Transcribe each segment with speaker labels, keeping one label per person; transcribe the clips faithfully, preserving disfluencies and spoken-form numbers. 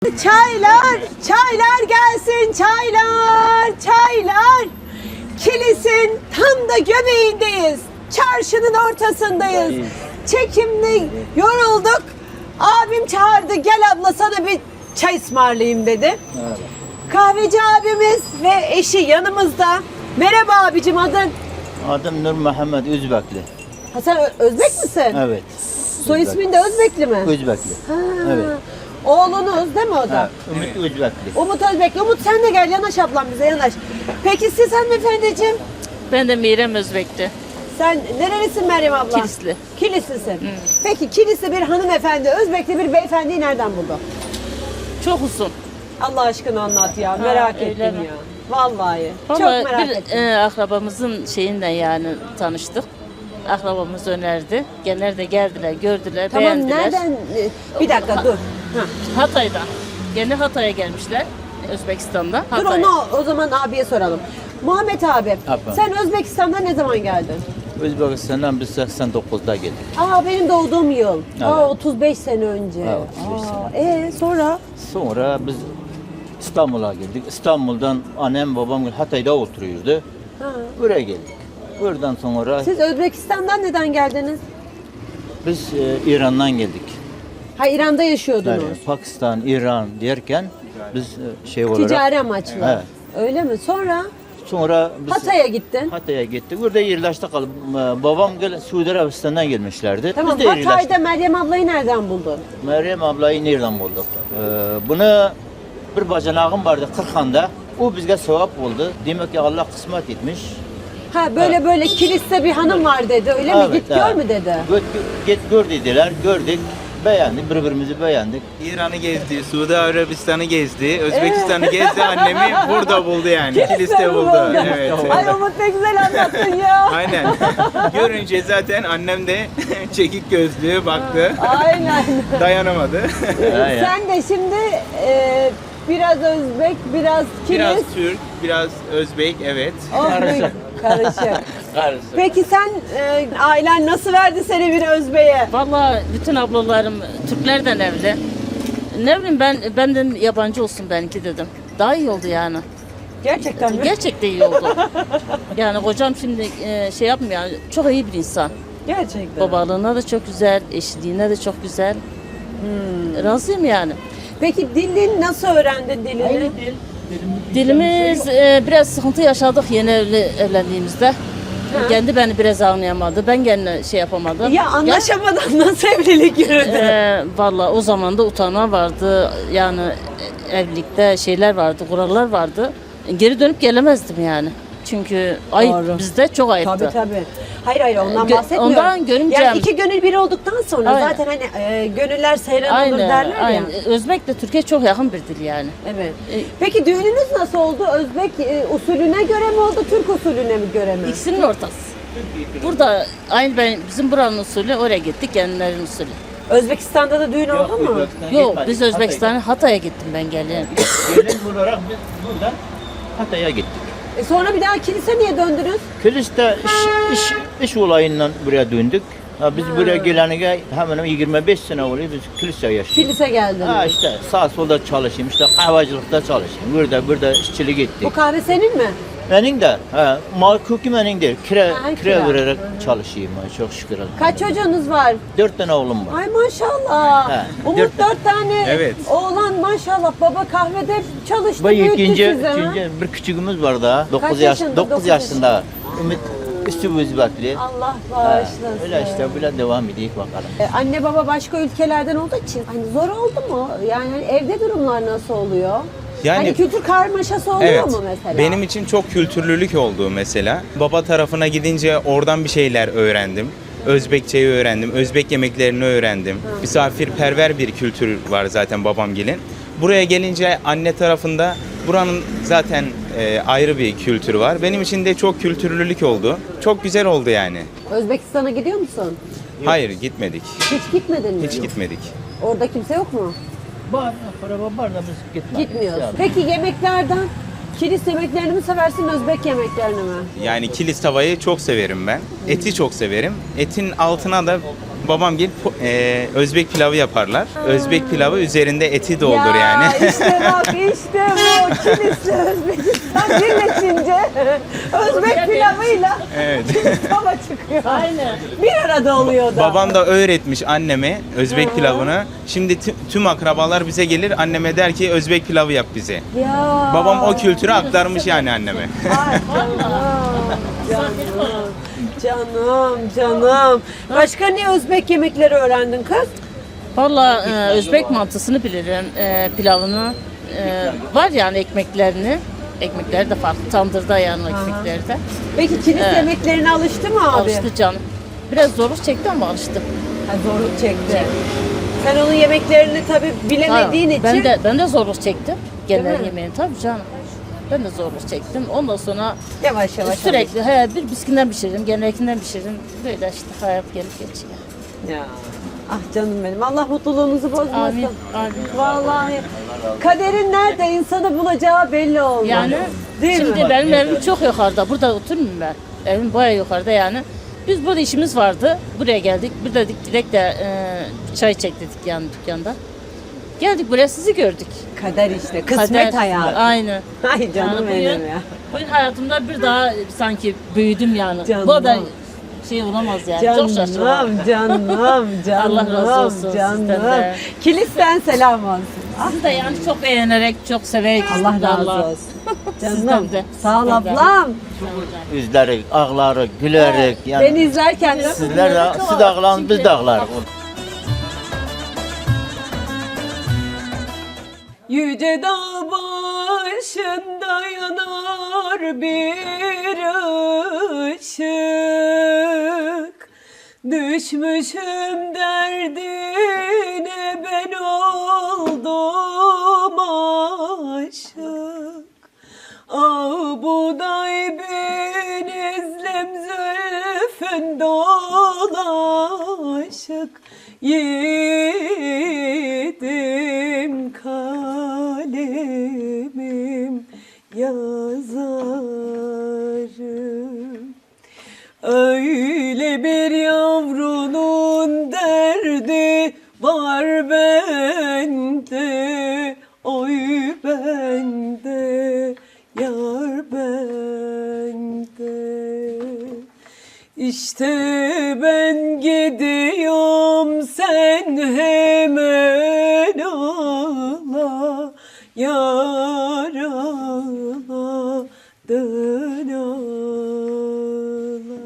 Speaker 1: Çaylar, çaylar gelsin, çaylar, çaylar. Kilis'in tam da göbeğindeyiz. Çarşının ortasındayız. Çekimli yorulduk. Abim çağırdı, gel abla sana bir çay ısmarlayayım dedi. Evet. Kahveci abimiz ve eşi yanımızda. Merhaba abicim, adın?
Speaker 2: Adım Nur Muhammed Özbekli.
Speaker 1: Ha, sen Ö- Özbek misin?
Speaker 2: Evet.
Speaker 1: Soy ismin de Özbekli mi?
Speaker 2: Özbekli.
Speaker 1: Ha.
Speaker 2: Evet.
Speaker 1: Oğlunuz değil mi o da?
Speaker 2: Ha, Ümit Özbekli.
Speaker 1: Umut Özbekli. Umut sen de gel, yanaş ablam bize, yanaş. Peki siz hanımefendiciğim?
Speaker 3: Ben de Meyrem Özbek'ti.
Speaker 1: Sen nerelisin Meryem abla?
Speaker 3: Kilisli.
Speaker 1: Kilislisin. Peki Kilisli bir hanımefendi, Özbekli bir beyefendiyi nereden buldu?
Speaker 3: Çok uzun.
Speaker 1: Allah aşkına anlat ya, merak
Speaker 3: öyle
Speaker 1: ettim
Speaker 3: mi?
Speaker 1: ya. Vallahi, çok
Speaker 3: Vallahi
Speaker 1: merak
Speaker 3: bir
Speaker 1: ettim.
Speaker 3: e, akrabamızın şeyinden yani tanıştık. Akrabamız önerdi. Genler de geldiler, gördüler,
Speaker 1: Tamam,
Speaker 3: beğendiler.
Speaker 1: nereden? e, Bir dakika dur. Ha.
Speaker 3: Hatay'dan. Gene Hatay'a gelmişler. Özbekistan'da.
Speaker 1: Dur
Speaker 3: Hatay.
Speaker 1: onu o zaman abiye soralım. Muhammed abi,
Speaker 2: Abla.
Speaker 1: sen Özbekistan'dan ne zaman geldin?
Speaker 2: Özbekistan'dan biz seksen dokuzda geldik.
Speaker 1: Aa, benim doğduğum yıl.
Speaker 2: Evet.
Speaker 1: Aa, otuz beş sene önce.
Speaker 2: Evet, otuz beş
Speaker 1: Aa, Ee, sonra?
Speaker 2: Sonra biz İstanbul'a geldik. İstanbul'dan annem babam Hatay'da oturuyordu.
Speaker 1: Ha.
Speaker 2: Buraya geldik. Buradan sonra
Speaker 1: Siz Özbekistan'dan neden geldiniz?
Speaker 2: biz e, İran'dan geldik.
Speaker 1: Ha, İran'da yaşıyordunuz.
Speaker 2: Yani Pakistan, İran derken biz e, şey olarak
Speaker 1: Ticari amaçlı.
Speaker 2: Evet.
Speaker 1: Öyle mi? Sonra
Speaker 2: sonra biz
Speaker 1: Hatay'a gittin.
Speaker 2: Hatay'a gittik. Burada yerleştik. kalıp e, babam gel Suudi Arabistan'dan gelmişlerdi.
Speaker 1: Tamam,
Speaker 2: biz de yerleştik.
Speaker 1: Hatay'da Meryem ablayı nereden buldun?
Speaker 2: Meryem ablayı nereden bulduk? Ee, bunu bir bacanağım vardı Kırkhan'da. O bizge sevap oldu. Demek ki Allah kısmet etmiş.
Speaker 1: Ha, böyle
Speaker 2: Evet.
Speaker 1: böyle kiliste bir hanım var dedi. Öyle mi? Git gör
Speaker 2: evet.
Speaker 1: mü dedi?
Speaker 2: Git, git gör dediler. Gördük. Beğendik. Birbirimizi beğendik.
Speaker 4: İran'ı gezdi, Suudi Arabistan'ı gezdi, Özbekistan'ı gezdi, annemi burada buldu yani. Kilis'te buldu. Evet.
Speaker 1: Ay Umut, ne güzel anlattın ya.
Speaker 4: Aynen. Görünce zaten annem de çekik gözlüğü baktı.
Speaker 1: Aynen.
Speaker 4: Dayanamadı.
Speaker 2: Aynen.
Speaker 1: Sen de şimdi e, biraz Özbek, biraz Kilis.
Speaker 4: Biraz Türk, biraz Özbek, evet.
Speaker 1: Oh, karışık. Karışık. Peki sen, e, ailen nasıl verdi seni bir Özbek'e?
Speaker 3: Vallahi bütün ablalarım Türklerden evli. Ne bileyim ben benden yabancı olsun benimki dedim. Daha iyi oldu yani.
Speaker 1: Gerçekten mi?
Speaker 3: Gerçekten iyi oldu. Yani kocam şimdi e, şey yapmıyor. Yani çok iyi bir insan.
Speaker 1: Gerçekten.
Speaker 3: Babalığına da çok güzel, eşliğine de çok güzel. Razıyım yani.
Speaker 1: Peki dilini nasıl öğrendin dilini?
Speaker 3: Dilimiz e, biraz sıkıntı yaşadık yeni evli, evlendiğimizde. Kendi beni biraz anlayamadı. Ben kendine şey yapamadım.
Speaker 1: Ya anlaşamadan nasıl evlilik yürüdü?
Speaker 3: E, Valla o zaman da utanma vardı. Yani e, evlilikte şeyler vardı, kurallar vardı. Geri dönüp gelemezdim yani. Çünkü ayıp
Speaker 1: Doğru.
Speaker 3: bizde çok ayıptı.
Speaker 1: Tabii tabii. Hayır hayır, ondan
Speaker 3: Gö-
Speaker 1: bahsetmiyorum.
Speaker 3: ondan görümcem-
Speaker 1: Yani iki gönül bir olduktan sonra
Speaker 3: Aynen.
Speaker 1: zaten hani e, gönüller seyran olur
Speaker 3: Aynen,
Speaker 1: derler
Speaker 3: aynen.
Speaker 1: ya.
Speaker 3: Özbek de Türkiye çok yakın bir dil yani.
Speaker 1: Evet.
Speaker 3: E,
Speaker 1: Peki düğününüz nasıl oldu? Özbek e, usulüne göre mi oldu, Türk usulüne mi göre mi?
Speaker 3: İkisinin ortası. Burada aynı ben bizim buranın usulü, oraya gittik kendilerinin usulü.
Speaker 1: Özbekistan'da da düğün oldu mu?
Speaker 3: Yok biz Özbekistan'a Hatay'a gittim ben gelin.
Speaker 2: Gelin olarak biz buradan Hatay'a gittik.
Speaker 1: E sonra bir daha kilise niye döndünüz?
Speaker 2: Kilis'te iş, iş, iş olayından buraya döndük. Ha, biz buraya gelene hemen hemen yirmi beş sene oluyor biz kilise yaşıyoruz.
Speaker 1: Kilise geldiniz.
Speaker 2: Ha işte sağ solda çalışayım, işte kahvacılıkta çalışayım. Burada burada işçilik
Speaker 1: Bu
Speaker 2: ettik.
Speaker 1: kahve senin mi?
Speaker 2: Benim de, ha, mal kökü benim değil. Kira,
Speaker 1: Ha,
Speaker 2: kira,
Speaker 1: kira.
Speaker 2: vererek çalışayım ha, çok şükür.
Speaker 1: Kaç çocuğunuz var?
Speaker 2: Dört tane oğlum var.
Speaker 1: Ay maşallah.
Speaker 2: He,
Speaker 1: Umut
Speaker 2: dört-
Speaker 1: dört tane
Speaker 4: Evet.
Speaker 1: oğlan maşallah. Baba kahvede çalıştı,
Speaker 2: Bu
Speaker 1: büyüttü
Speaker 2: ikinci,
Speaker 1: sizi. ha?
Speaker 2: ikinci bir küçüğümüz var daha. dokuz yaş,
Speaker 1: yaşında?
Speaker 2: dokuz
Speaker 1: Dokuz
Speaker 2: yaşında. Ümit üstü Özbekli.
Speaker 1: Allah
Speaker 2: Ha,
Speaker 1: bağışlasın.
Speaker 2: öyle işte böyle devam edeyim bakalım.
Speaker 1: Ee, Anne baba başka ülkelerden olduğu için hani zor oldu mu? Yani hani evde durumlar nasıl oluyor?
Speaker 4: Yani-
Speaker 1: hani kültür karmaşası oluyor
Speaker 4: Evet.
Speaker 1: mu mesela?
Speaker 4: Benim için çok kültürlülük oldu mesela. Baba tarafına gidince oradan bir şeyler öğrendim. Özbekçeyi öğrendim, Özbek yemeklerini öğrendim. Misafirperver bir kültür var zaten babamgilin. Buraya gelince anne tarafında buranın zaten e, ayrı bir kültürü var. Benim için de çok kültürlülük oldu. Çok güzel oldu yani.
Speaker 1: Özbekistan'a gidiyor musun?
Speaker 4: Hayır gitmedik.
Speaker 1: Hiç gitmedin mi?
Speaker 4: Hiç gitmedik.
Speaker 1: Orada kimse yok mu?
Speaker 2: Var, para var da biz gitmedik.
Speaker 1: Gitmiyoruz.
Speaker 2: Yani.
Speaker 1: Peki yemeklerden kilis yemeklerini mi seversin, Özbek yemeklerini mi?
Speaker 4: Yani kilis tavayı çok severim ben. Eti çok severim. Etin altına da babam gelip e, Özbek pilavı yaparlar. Özbek pilavı üzerinde eti doldur
Speaker 1: ya,
Speaker 4: yani.
Speaker 1: işte bak işte bu Kilis'te Özbekistan birleşince Özbek pilavıyla
Speaker 4: Evet.
Speaker 1: Kilis baba çıkıyor.
Speaker 3: Aynen.
Speaker 1: Bir arada oluyor da.
Speaker 4: Babam da öğretmiş anneme Özbek pilavını. Şimdi tü- tüm akrabalar bize gelir, anneme der ki Özbek pilavı yap bize.
Speaker 1: Ya.
Speaker 4: Babam o kültürü aktarmış yani anneme.
Speaker 1: Ay canım, canım, canım, canım. Başka ne Özbek yemekleri öğrendin kız?
Speaker 3: Valla e, Özbek mantısını bilirim, e, pilavını. E, var yani ekmeklerini. Ekmekleri de farklı. Tandırda yani o ekmekleri de.
Speaker 1: Peki Kilis
Speaker 3: Evet.
Speaker 1: yemeklerine alıştı mı abi?
Speaker 3: Alıştı canım. Biraz zorluk çekti ama alıştı.
Speaker 1: Ha, zorluk çekti. Sen onun yemeklerini tabii bilemediğin
Speaker 3: Ha,
Speaker 1: için.
Speaker 3: Ben de ben de zorluk çektim.
Speaker 1: Değil
Speaker 3: Genel
Speaker 1: mi?
Speaker 3: yemeğini tabii canım. Ben de zorluk çektim. Ondan sonra
Speaker 1: Yavaş yavaş.
Speaker 3: sürekli he, bir biskinden pişiririm, genelkinden pişiririm. Böyle işte hayat gelip geçiyor.
Speaker 1: Ya. Ah canım benim. Allah mutluluğunuzu bozmasın.
Speaker 3: Amin. Amin.
Speaker 1: Vallahi. Kaderin nerede insanı bulacağı belli olmaz.
Speaker 3: Yani
Speaker 1: Değil
Speaker 3: şimdi
Speaker 1: mi?
Speaker 3: benim evim çok yukarıda. Burada oturmuyorum ben. Evim bayağı yukarıda yani. Biz burada işimiz vardı. Buraya geldik. Bir dedik direkt de e, çay çek dedik yani dükkanda. Geldik buraya sizi gördük.
Speaker 1: Kader işte. Kısmet
Speaker 3: Kader.
Speaker 1: hayatı.
Speaker 3: Aynen.
Speaker 1: Ay canım
Speaker 3: Yani
Speaker 1: benim
Speaker 3: bugün,
Speaker 1: ya.
Speaker 3: bugün hayatımda bir daha sanki büyüdüm yani.
Speaker 1: Canım.
Speaker 3: Bu da şey olamaz yani. Çok şaşırdım.
Speaker 1: Canım, canım, canım,
Speaker 3: Allah razı olsun sizden
Speaker 1: canım.
Speaker 3: de.
Speaker 1: Kilis'ten selam olsun.
Speaker 3: Sizi de yani çok beğenerek, çok severek
Speaker 1: Allah
Speaker 3: sizden
Speaker 1: razı
Speaker 3: Allah.
Speaker 1: olsun. Canım,
Speaker 3: Sizden de.
Speaker 1: sağ ol
Speaker 3: Sizden de.
Speaker 1: ablam.
Speaker 2: Üzleri, ağları, gülerek yani.
Speaker 1: Beni izlerken de
Speaker 2: Sizler de, siz de ağlayın, biz de ağlarız.
Speaker 1: yüce dağ başında yanar bir ışık. Düşmüşüm derdine ben oldum aşık. Ah buğday benizlem zülfün dolaşık. Yiğidim kalemim yazarım. Öyle bir yavrunun derdi var bende, oy bende, yar bende. İşte ben gidiyorum sen hemen ağla, yar ağla, dön ağla.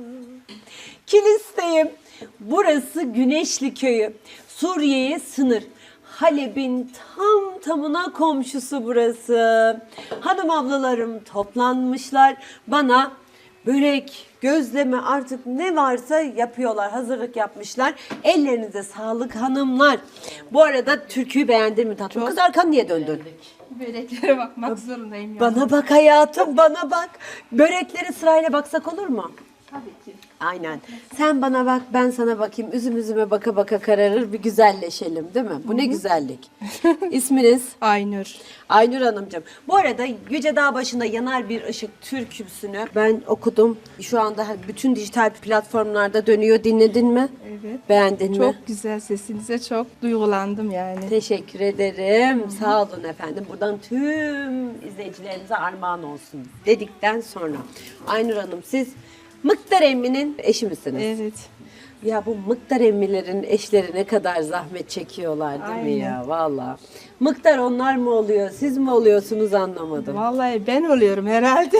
Speaker 1: Kilis'teyim. Burası Güneşli Köyü. Suriye'ye sınır. Halep'in tam tamına komşusu burası. Hanım ablalarım toplanmışlar. Bana börek, gözleme artık ne varsa yapıyorlar. Hazırlık yapmışlar. Ellerinize sağlık hanımlar. Bu arada türküyü beğendin mi tatlım? Kız arkan niye döndün?
Speaker 5: Böreklere bakmak zorundayım ya.
Speaker 1: Bana bak hayatım, bana bak. Börekleri sırayla baksak olur mu?
Speaker 5: Tabii ki.
Speaker 1: Aynen. Sen bana bak, ben sana bakayım. Üzüm üzüme baka baka kararır, bir güzelleşelim değil mi? Bu ne güzellik. İsminiz?
Speaker 5: Aynur.
Speaker 1: Aynur Hanımcığım. Bu arada Yüce Dağ başında yanar bir ışık türküsünü ben okudum. Şu anda bütün dijital platformlarda dönüyor. Dinledin mi?
Speaker 5: Evet.
Speaker 1: Beğendin mi?
Speaker 5: Çok güzel sesinize çok duygulandım yani.
Speaker 1: Teşekkür ederim. Sağ olun efendim. Buradan tüm izleyicilerimize armağan olsun dedikten sonra. Aynur Hanım siz Mıktar Emmi'nin eşi misiniz?
Speaker 5: Evet.
Speaker 1: Ya bu Mıktar Emmilerin eşleri ne kadar zahmet çekiyorlar değil mi ya? Valla. Mıktar onlar mı oluyor, siz mi oluyorsunuz anlamadım.
Speaker 5: Vallahi ben oluyorum herhalde.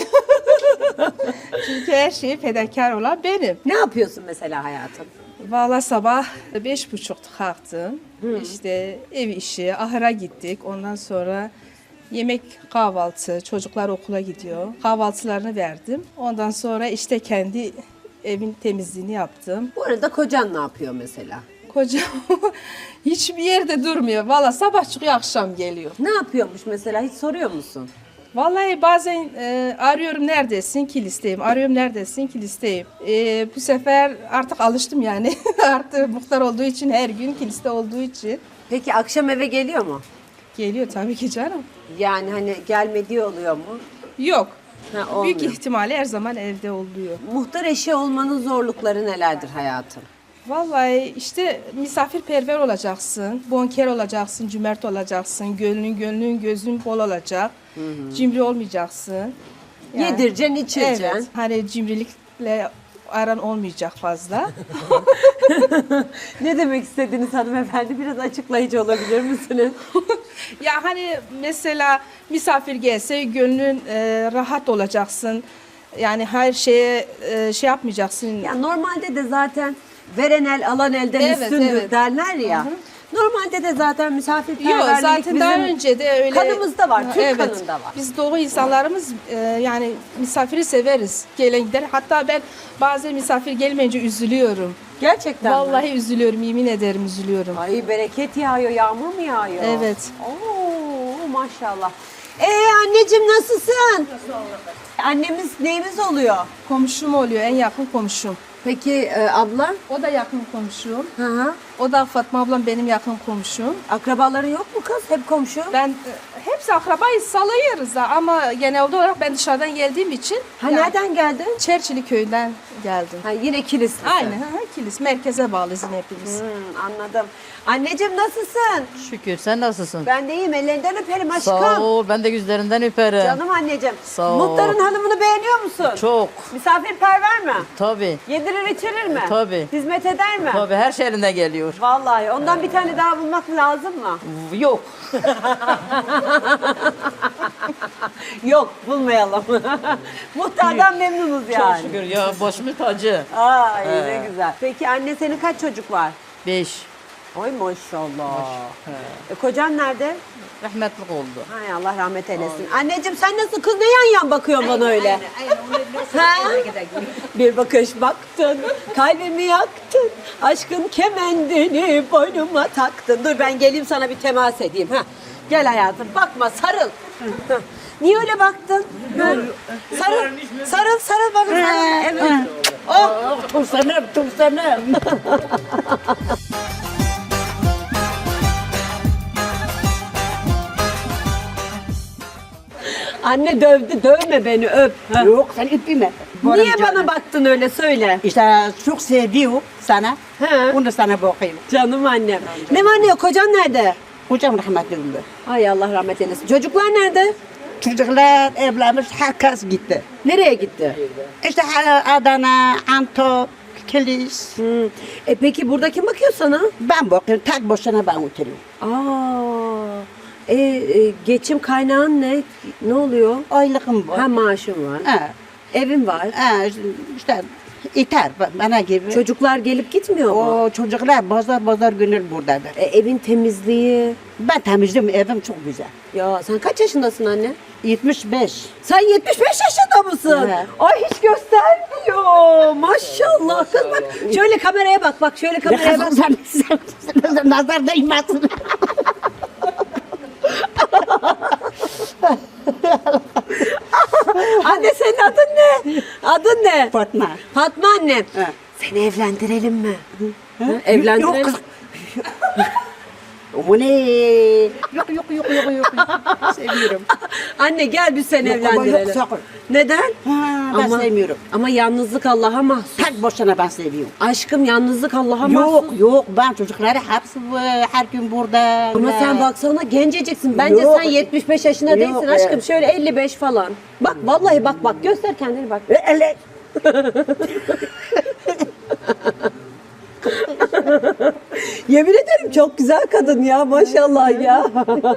Speaker 5: Çünkü her şeyi fedakar olan benim.
Speaker 1: Ne yapıyorsun mesela hayatım?
Speaker 5: Vallahi sabah beş buçukta kalktım. İşte ev işi, ahıra gittik. Ondan sonra yemek, kahvaltı, çocuklar okula gidiyor. Kahvaltılarını verdim. Ondan sonra işte kendi evin temizliğini yaptım.
Speaker 1: Bu arada kocan ne yapıyor mesela?
Speaker 5: Kocam hiçbir yerde durmuyor. Vallahi sabah çıkıyor, akşam geliyor.
Speaker 1: Ne yapıyormuş mesela, hiç soruyor musun?
Speaker 5: Vallahi bazen e, arıyorum neredesin ki listeyim, arıyorum neredesin ki listeyim. E, bu sefer artık alıştım yani. Artık muhtar olduğu için, her gün kiliste olduğu için.
Speaker 1: Peki akşam eve geliyor mu?
Speaker 5: Geliyor tabii ki canım.
Speaker 1: Yani hani gelmediği oluyor mu?
Speaker 5: Yok.
Speaker 1: Ha,
Speaker 5: Büyük
Speaker 1: olmuyor.
Speaker 5: ihtimalle her zaman evde oluyor.
Speaker 1: Muhtar eşi olmanın zorlukları nelerdir hayatım?
Speaker 5: Vallahi işte misafirperver olacaksın, bonker olacaksın, cömert olacaksın, gönlün gönlün gözün bol olacak, cimri olmayacaksın. Yani-
Speaker 1: Yedireceksin, içireceksin.
Speaker 5: Evet, hani cimrilikle aran olmayacak fazla.
Speaker 1: Ne demek istediğiniz hanımefendi? Biraz açıklayıcı olabilir misiniz?
Speaker 5: Ya hani mesela misafir gelse gönlün e, rahat olacaksın. Yani her şeye e, şey yapmayacaksın.
Speaker 1: Ya normalde de zaten veren el alan elden
Speaker 5: Evet,
Speaker 1: üstündür
Speaker 5: evet.
Speaker 1: derler ya. Normalde de zaten
Speaker 5: Yok
Speaker 1: misafirperverlik
Speaker 5: zaten
Speaker 1: bizim
Speaker 5: daha önce de öyle.
Speaker 1: kanımızda var, Türk
Speaker 5: Evet.
Speaker 1: kanında var.
Speaker 5: Biz doğu insanlarımız e, yani misafiri severiz. Gelen gider. Hatta ben bazen misafir gelmeyince üzülüyorum.
Speaker 1: Gerçekten mi?
Speaker 5: Vallahi üzülüyorum, yemin ederim üzülüyorum.
Speaker 1: Ay bereket yağıyor, yağmur mu yağıyor?
Speaker 5: Evet.
Speaker 1: Oo maşallah. Ee anneciğim nasılsın? Annemiz neyimiz oluyor?
Speaker 5: Komşum oluyor, en yakın komşum.
Speaker 1: Peki e, abla?
Speaker 5: O da yakın komşum.
Speaker 1: Hı hı.
Speaker 5: O da Fatma ablam benim yakın komşum.
Speaker 1: Akrabaların yok mu kız? Hep komşu.
Speaker 5: Ben e, hepsi akrabayız, salıyoruz da ama genelde olarak ben dışarıdan geldiğim için
Speaker 1: Ha
Speaker 5: yani
Speaker 1: nereden geldin?
Speaker 5: Çerçili köyünden geldim.
Speaker 1: Ha yine kilisli.
Speaker 5: Aynen, ha, kilis merkeze bağlıyız yine hepimiz.
Speaker 1: Hmm, anladım. Anneciğim nasılsın?
Speaker 6: Şükür, sen nasılsın?
Speaker 1: Ben de iyiyim. Ellerinden öperim aşkım.
Speaker 6: Sağ ol, ben de yüzlerinden öperim.
Speaker 1: Canım anneciğim.
Speaker 6: Sağ ol.
Speaker 1: Muhtarın hanımını beğeniyor musun?
Speaker 6: Çok,
Speaker 1: Misafirperver mi?
Speaker 6: tabii,
Speaker 1: Yedirir içirir mi?
Speaker 6: Tabii.
Speaker 1: Hizmet eder mi?
Speaker 6: tabii her şey elinden geliyor.
Speaker 1: Vallahi ondan bir tane daha bulmak lazım mı?
Speaker 6: Yok,
Speaker 1: Yok bulmayalım. Muhtardan memnunuz yani.
Speaker 6: çok şükür ya, başımın tacı.
Speaker 1: Ay ne güzel. Peki anne senin kaç çocuk var?
Speaker 6: Beş,
Speaker 1: Oy maşallah. E, kocan nerede?
Speaker 6: rahmetlik oldu.
Speaker 1: Hay Allah rahmet eylesin. Anneciğim sen nasıl kız ne yan yan bakıyorsun bana öyle? Ha? Bir bakış baktın, kalbimi yaktın, aşkın kemendini boynuma taktın. Dur ben geleyim sana bir temas edeyim. Ha. Gel hayatım bakma sarıl. Ha. Niye öyle baktın? Ha? Sarıl, sarıl, sarıl bana sarıl. Evet. Oh.
Speaker 6: Tursanım, tursanım.
Speaker 1: Anne dövdü, dövme beni öp. Ha.
Speaker 7: Yok sen öpme.
Speaker 1: Niye bana baktın öyle söyle.
Speaker 7: İşte çok seviyor sana.
Speaker 1: He.
Speaker 7: Onu sana bakayım.
Speaker 1: Canım annem. Ne var ne yok kocan nerede?
Speaker 7: Hocam rahmetli oldu.
Speaker 1: Ay Allah rahmet eylesin. Çocuklar nerede?
Speaker 7: Çocuklar evlenmiş herkes gitti.
Speaker 1: Nereye gitti?
Speaker 7: İşte Adana, Antep, Kilis.
Speaker 1: Hmm. E peki burada kim bakıyor sana?
Speaker 7: Ben bakıyorum tek başına ben oturuyorum.
Speaker 1: Aa. E, e, geçim kaynağın ne? Ne oluyor?
Speaker 7: Aylığım var.
Speaker 1: Ha maaşın var.
Speaker 7: Ha.
Speaker 1: Evin var.
Speaker 7: Ha, işte yeter bana gibi.
Speaker 1: Çocuklar gelip gitmiyor mu?
Speaker 7: O çocuklar pazar pazar günü buradadır.
Speaker 1: E, evin temizliği.
Speaker 7: Ben temizliyorum evim çok güzel.
Speaker 1: Ya sen kaç yaşındasın anne?
Speaker 7: yetmiş beş.
Speaker 1: Sen yetmiş beş yaşında mısın?
Speaker 7: Evet.
Speaker 1: Ay hiç göstermiyor. Maşallah kız bak. Şöyle kameraya bak bak şöyle kameraya bak.
Speaker 7: Nazar değmesin.
Speaker 1: Anne senin adın ne? Adın ne?
Speaker 7: Fatma.
Speaker 1: Fatma annem.
Speaker 7: He.
Speaker 1: Seni evlendirelim mi? Ha, Evlendirelim.
Speaker 7: Yok kız. O ne? Yok yok yok yok yok. Seviyorum.
Speaker 1: Anne gel biz seni
Speaker 7: Yok, ama
Speaker 1: evlendirelim.
Speaker 7: yok, sakın.
Speaker 1: Neden?
Speaker 7: Ha, ben
Speaker 1: ama,
Speaker 7: sevmiyorum.
Speaker 1: Ama yalnızlık Allah'a mahsus.
Speaker 7: Tek başına ben seviyorum.
Speaker 1: Aşkım yalnızlık Allah'a mahsus.
Speaker 7: Yok yok ben çocukları hepsi bu- her gün burada.
Speaker 1: Ama
Speaker 7: Ne?
Speaker 1: sen baksana genceciksin. Bence
Speaker 7: Yok.
Speaker 1: sen yetmiş beş yaşında
Speaker 7: Yok,
Speaker 1: değilsin aşkım.
Speaker 7: evet.
Speaker 1: Şöyle elli beş falan. Bak vallahi bak bak göster kendini bak.
Speaker 7: E, ele-
Speaker 1: Yemin ederim çok güzel kadın ya maşallah ya.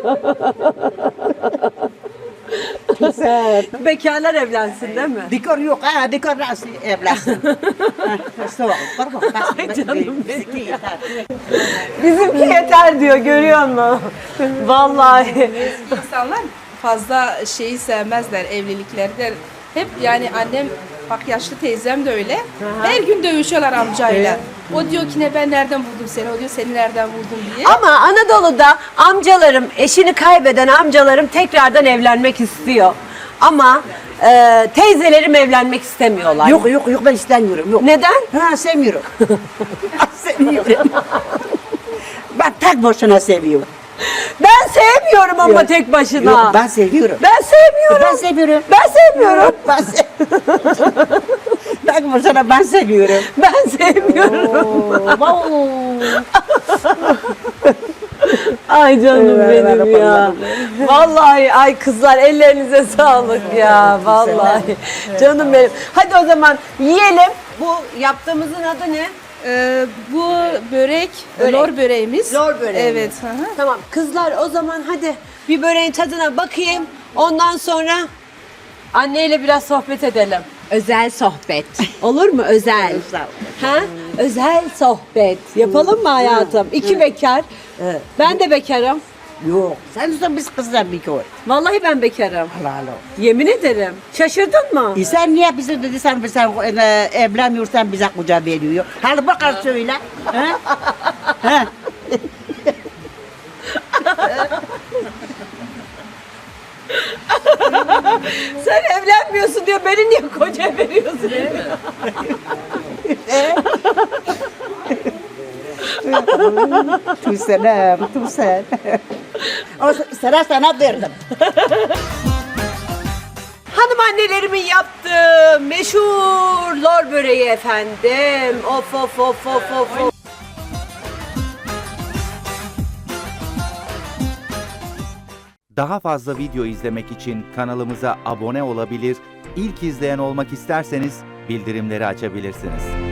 Speaker 7: Güzel.
Speaker 1: Bekarlar evlensin değil mi?
Speaker 7: Dikor yok ha dikor nasıl evlensin. Soğuk.
Speaker 1: Ay canım benim. Bizimki yeter diyor görüyor musun? Vallahi.
Speaker 5: İnsanlar fazla şeyi sevmezler, evlilikleri de. Hep yani annem, bak yaşlı teyzem de öyle. Her gün dövüşüyorlar amcayla. O diyor ki ne ben nereden buldum seni, o diyor seni nereden buldum diye.
Speaker 1: Ama Anadolu'da amcalarım, eşini kaybeden amcalarım tekrardan evlenmek istiyor. Ama e, teyzelerim evlenmek istemiyorlar.
Speaker 7: Yok yok yok ben istemiyorum yok.
Speaker 1: Neden?
Speaker 7: Ha sevmiyorum. sevmiyorum. Ben tek başına seviyorum.
Speaker 1: Ben sevmiyorum ama
Speaker 7: Yok.
Speaker 1: tek başına.
Speaker 7: Yok ben seviyorum.
Speaker 1: Ben sevmiyorum.
Speaker 7: Ben seviyorum.
Speaker 1: Ben sevmiyorum.
Speaker 7: Ben, se Bakma sana ben seviyorum.
Speaker 1: Ben sevmiyorum. Ay canım
Speaker 7: Evet,
Speaker 1: benim
Speaker 7: evet,
Speaker 1: ya. Vallahi ay kızlar ellerinize sağlık ya. Vallahi. Canım benim. Hadi o zaman yiyelim. Bu yaptığımızın adı ne?
Speaker 5: Ee, bu börek,
Speaker 1: Börek.
Speaker 5: lor böreğimiz.
Speaker 1: Lor böreği.
Speaker 5: Evet. Hı hı.
Speaker 1: Tamam kızlar o zaman hadi bir böreğin tadına bakayım. Ondan sonra anneyle biraz sohbet edelim. Özel sohbet. Olur mu özel? Ha? Özel sohbet. Yapalım mı hayatım? İki bekar.
Speaker 7: Evet.
Speaker 1: Ben de bekarım.
Speaker 7: Yok. Sen de biz kızdan bir koy.
Speaker 1: Vallahi ben bekarım.
Speaker 7: Helal olsun.
Speaker 1: Yemin ederim. Şaşırdın mı?
Speaker 7: E sen niye bize dedi sen sen e, evlenmiyorsan bize kucağa veriyor. Hadi bakar söyle. Ha? Ha?
Speaker 1: Sen evlenmiyorsun diyor. Beni niye koca veriyorsun?
Speaker 7: Tu selam, tu sen. O sıra sana verdim.
Speaker 1: Hanım annelerimin yaptığı meşhur lor böreği efendim. Of of of of of. of.
Speaker 8: Daha fazla video izlemek için kanalımıza abone olabilir, ilk izleyen olmak isterseniz bildirimleri açabilirsiniz.